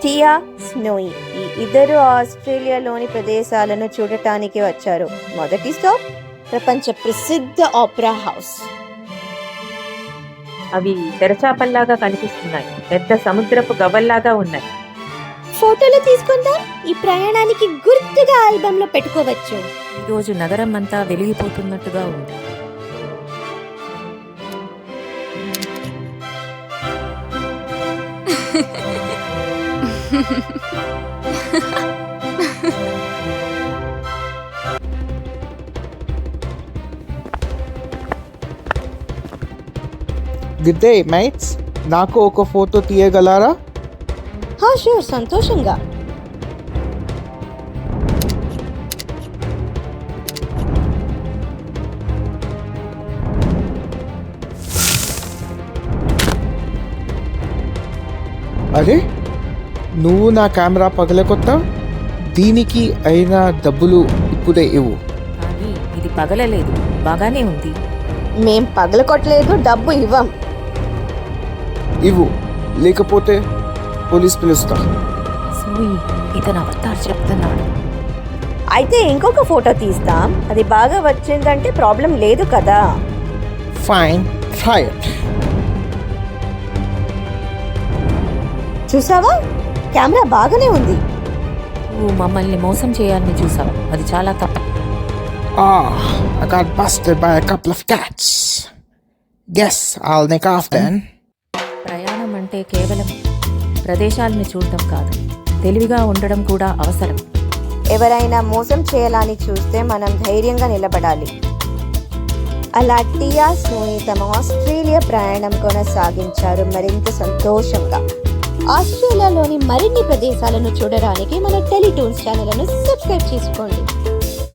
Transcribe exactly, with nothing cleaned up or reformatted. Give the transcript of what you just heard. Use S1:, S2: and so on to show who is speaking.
S1: టియా, స్నోయి ఈ ఇద్దరు ఆస్ట్రేలియాలోని ప్రదేశాలను చూడటానికి వచ్చారు. మొదటి స్టాప్ ప్రపంచ ప్రసిద్ధ ఆపరా హౌస్.
S2: అవి తెరచాపల్లాగా కనిపిస్తున్నాయి. పెద్ద సముద్రపు గవ్వల్లాగా ఉన్నాయి.
S1: ఫోటోలు తీసుకుందాం. ఈ ప్రయాణానికి గుర్తుగా ఆల్బమ్ లో పెట్టుకోవచ్చు.
S2: ఈరోజు నగరం అంతా వెలిగిపోతున్నట్టుగా ఉంది.
S3: గుడ్ డే మైట్స్, నాకు ఒక ఫోటో తీయగలరా?
S1: హా షూర్, సంతోషంగా.
S3: అరే, నువ్వు నా కెమెరా పగలకొత్తా. దీనికి అయినా డబ్బులు ఇప్పుడే ఇవ్వు.
S2: కానీ ఇది పగలలేదు, బాగానే ఉంది.
S1: మేం పగలకొట్టలేదు, డబ్బు ఇవ్వం.
S3: ఇవ్వు, లేకపోతే పోలీస్ పిలుస్తా.
S2: స్నోయి, ఇతను అవతార్ చెప్తున్నాడు.
S1: అయితే ఇంకొక ఫోటో తీస్తాం. అది బాగా వచ్చిందంటే ప్రాబ్లం లేదు కదా.
S3: Fine, try it.
S1: చూసావా, కెమెరా బాగానే ఉంది.
S2: నువ్వు మమ్మల్ని మోసం చేయాలని చూసావు. అది చాలా తప్పు.
S3: Ah, I got busted by a couple of cats. Guess I'll nick off then.
S2: ప్రయాణం అంటే కేవలం ప్రదేశాలను చూడటం కాదు, తెలివిగా ఉండడం కూడా అవసరం.
S1: ఎవరైనా మోసం చేయాలని చూస్తే మనం ధైర్యంగా నిలబడాలి. అలా టియా, స్నోయి తమ ఆస్ట్రేలియా ప్రయాణం కొనసాగించారు మరింత సంతోషంగా. ఆస్ట్రేలియాలోని మరిన్ని ప్రదేశాలను చూడడానికి మన టెలిటూన్స్ ఛానల్ను సబ్స్క్రైబ్ చేసుకోండి.